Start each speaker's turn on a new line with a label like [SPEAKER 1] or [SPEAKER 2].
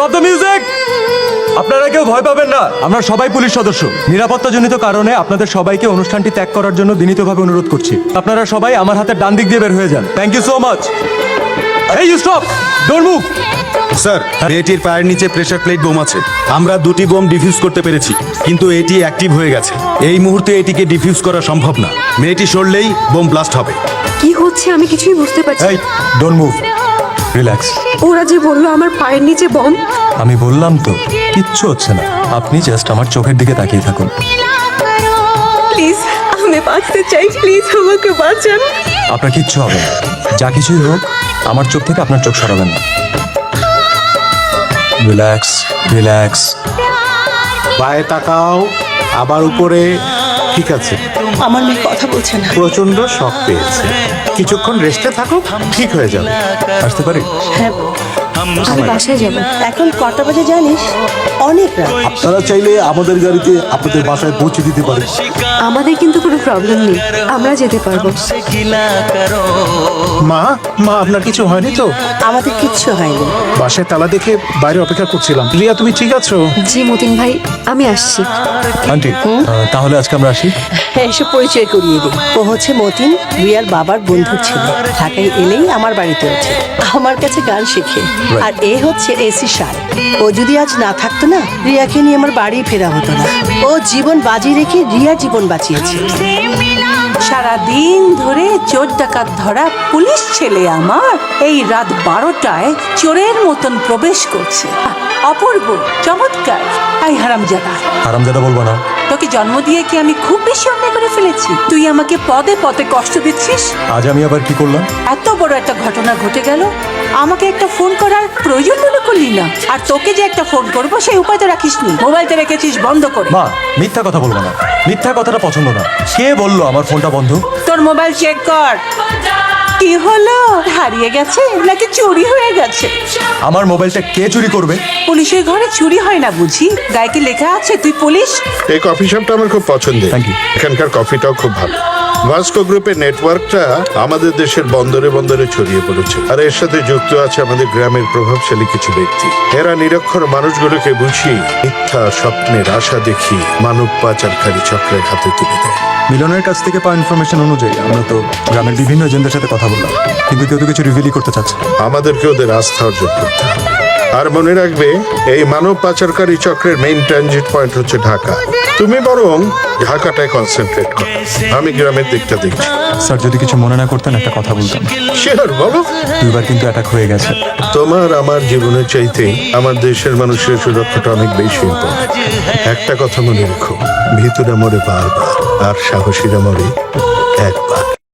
[SPEAKER 1] Stop the music. আপনারা কেউ ভয় পাবেন না, আমরা সবাই পুলিশ সদস্য। নিরাপত্তাজনিত কারণে আপনাদের সবাইকে অনুষ্ঠানটি ত্যাগ করার জন্য বিনীতভাবে অনুরোধ করছি। আপনারা সবাই আমার হাতের ডান দিক দিয়ে বের হয়ে যান। Thank you so much. এই you stop, don't move.
[SPEAKER 2] Sir, মেয়েটির পায়ের নিচে প্রেসার প্লেট বোম আছে। আমরা 2টি বোম ডিফিউজ করতে পেরেছি, কিন্তু এটি অ্যাক্টিভ হয়ে গেছে। এই মুহূর্তে এটিকে ডিফিউজ করা সম্ভব না। মেয়েটি সরলেই বোম ব্লাস্ট হবে।
[SPEAKER 3] কি হচ্ছে আমি কিছুই বুঝতে পারছি
[SPEAKER 1] এই ডোন্ট মুভ, রিল্যাক্স।
[SPEAKER 3] ওরা যে বললো আমার পায়ের নিচে বম।
[SPEAKER 1] আমি বললাম তো কিচ্ছু হচ্ছে না, আপনি জাস্ট আমার চোখের দিকে তাকিয়ে থাকুন।
[SPEAKER 3] প্লিজ আমি বাঁচতে চাই, প্লিজ আমাকে বাঁচান।
[SPEAKER 1] আপনার কিচ্ছু হবে না, যা কিছুই হোক আমার চোখ থেকে আপনার চোখ সরাবেন না। Relax relax.
[SPEAKER 4] পায়ে তাকাও, আবার উপরে। ঠিক আছে,
[SPEAKER 5] আমার মেয়ে কথা বলছে না।
[SPEAKER 4] প্রচন্ড শক পেয়েছে, কিছুক্ষণ রেস্টে থাকো, ঠিক হয়ে যাবে।
[SPEAKER 1] আসতে পারি?
[SPEAKER 5] হ্যাঁ,
[SPEAKER 3] আমি বাসায় যাব।
[SPEAKER 5] এখন কটা বাজে জানিস? অনেক রাত।
[SPEAKER 4] আপনারা চাইলে আমাদের গাড়িতে আপনাদের বাসায় পৌঁছে দিতে পারে।
[SPEAKER 3] আমাদের কিন্তু কোনো প্রবলেম নেই, আমরা যেতে পারবো।
[SPEAKER 4] মা, মা আপনার কিছু হয়নি তো?
[SPEAKER 5] আমাদের কিচ্ছু হয়নি।
[SPEAKER 4] বাসায় তালা দেখে বাইরে অপেক্ষা করছিলাম। রিয়া, তুমি ঠিক আছো?
[SPEAKER 3] জি মতিন ভাই, আমি আসছি।
[SPEAKER 1] আন্টি তাহলে আজকে আমরা আসি।
[SPEAKER 5] হ্যাঁ, এসে পরিচয় করিয়ে দিই। ও হচ্ছে মতিন, রিয়ার বাবার বন্ধুর ছেলে। ঢাকায় এলেই আমার বাড়িতে ওঠে, আমার কাছে গান শেখে। আর এ হচ্ছে এসি সার। ও যদি আজ না থাকতো না, রিয়াকে নিয়ে আমার বাড়ি ফেরা হতো না। ও জীবন বাজি রেখে রিয়ার জীবন বাঁচিয়েছে।
[SPEAKER 6] সারাদিন ধরে চোর ডাকাত ধরা পুলিশ ছেলে আমার এই রাত 12টায় চোরের মতন প্রবেশ করছে। অপূর্ব, চমৎকার। আই হারামজাদা,
[SPEAKER 1] হারামজাদা বলবো না।
[SPEAKER 6] তোকে জন্ম দিয়ে কি আমি খুব বেশি অন্যায় করে ফেলেছি? তুই আমাকে পদে পদে কষ্ট দিচ্ছিস।
[SPEAKER 1] আজ আমি আবার কি করলাম?
[SPEAKER 6] এত বড় একটা ঘটনা ঘটে গেল, আমাকে একটা ফোন করার প্রয়োজন মনে করলি না। আর তোকে যে একটা ফোন করবো সেই উপায় তো রাখিসনি, মোবাইলটা রেখেছিস বন্ধ করে।
[SPEAKER 1] মা, মিথ্যা কথা বলবো না, মিথ্যা কথাটা পছন্দ না। কে বললো আমার ফোনটা বন্ধ?
[SPEAKER 6] তোর মোবাইল চেক কর। কি হলো, হারিয়ে গেছে নাকি চুরি হয়ে গেছে?
[SPEAKER 1] আমার মোবাইলটা কে চুরি করবে?
[SPEAKER 6] পুলিশের ঘরে চুরি হয় না বুঝি? গায়ে কি লেখা আছে তুই পুলিশ?
[SPEAKER 7] এই কফি শপটা আমার খুব পছন্দের।
[SPEAKER 1] Thank you.
[SPEAKER 7] এখানকার কফিটাও খুব ভালো। ভাস্কো গ্রুপের নেটওয়ার্কটা আমাদের দেশের বন্দরে বন্দরে ছড়িয়ে পড়েছে, আর এর সাথে যুক্ত আছে আমাদের গ্রামের প্রভাবশালী কিছু ব্যক্তি। এরা নিরক্ষর মানুষগুলোকে বুঝিয়ে মিথ্যা স্বপ্নের আশা দেখিয়ে মানব পাচারকারী চক্রের হাতে তুলে দেয়।
[SPEAKER 1] মিলনের কাছ থেকে পাওয়া ইনফরমেশন অনুযায়ী আমরা তো গ্রামের বিভিন্ন এজেন্টদের সাথে কথা বললাম, কিন্তু কেউ তো কিছু রিভিলই করতে চাচ্ছে না।
[SPEAKER 7] আমাদেরকে ওদের আস্থা অর্জন করতে হবে। আর মনে রাখবে, এই মানব পাচারকারী চক্রের মেইন ট্রানজিট পয়েন্ট হচ্ছে ঢাকা। তুমি বরং ঢাকাটায় কনসেন্ট্রেট করো, আমি গ্রামের দিকটা দেখছি।
[SPEAKER 1] স্যার, যদি কিছু মনে না করতেন একটা কথা বলতাম।
[SPEAKER 7] শিওর, বলো।
[SPEAKER 1] 2বার কিন্তু অ্যাটাক হয়ে গেছে।
[SPEAKER 7] তোমার আমার জীবনের চাইতে আমার দেশের মানুষের সুরক্ষাটা অনেক বেশি ইম্পর্টেন্ট। একটা কথা মনে রেখো, ভিতরে মরে বারবার, আর সাহসীরা মরে